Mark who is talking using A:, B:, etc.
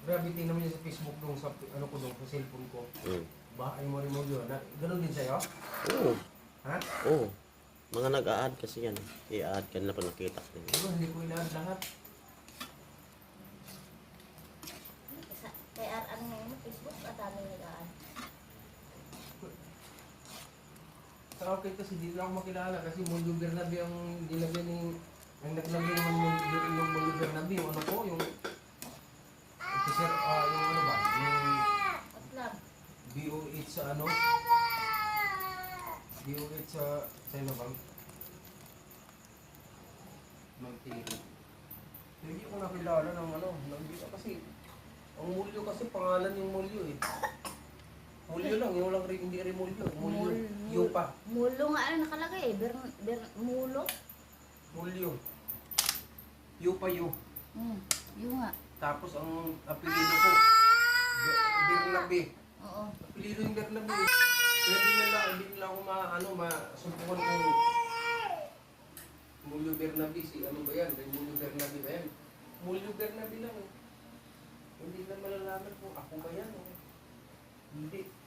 A: Grabe, tingnan mo yun sa Facebook nung sa ano ko nung sa cellphone ko. Bahay mo rin mo yun. Ganon din sa'yo?
B: Oo.
A: Ha?
B: Oo. Mga nag-a-add kasi yan. I-add ka nila pag nakita ko.
A: Hindi ko inaad lahat.
C: Kaya ano mo, Facebook at ano nila.
A: Sa akin kasi di na ako makilala kasi Mulyo Bernabe ang nilagyan ni ang naglagay naman ng Mulyo Bernabe yung ano ko yung officer yung ano ba yung
C: Atlab.
A: BO8 sa ano BO8 sa ano bang Magtiri. Hindi ko nakilala ng ano hindi kasi ang Mulyo kasi pangalan yung Mulyo eh. Mulyo lang, yung lang rin, hindi rin mulyo. Mulyo, yupa.
C: Mulo nga ano nakalagay eh. Mulo.
A: Mulyo. Yupa yu.
C: Yung nga.
A: Tapos ang apelido ko, Bernabe.
C: Oo.
A: Apelido yung Bernabe. Kaya hindi nila ako masumpungan kung Mulyo Bernabe. Si ano ba yan? Mulyo Bernabe ba yan? Mulyo Bernabe lang eh. Hindi na malalaman kung ako ba yan o hindi.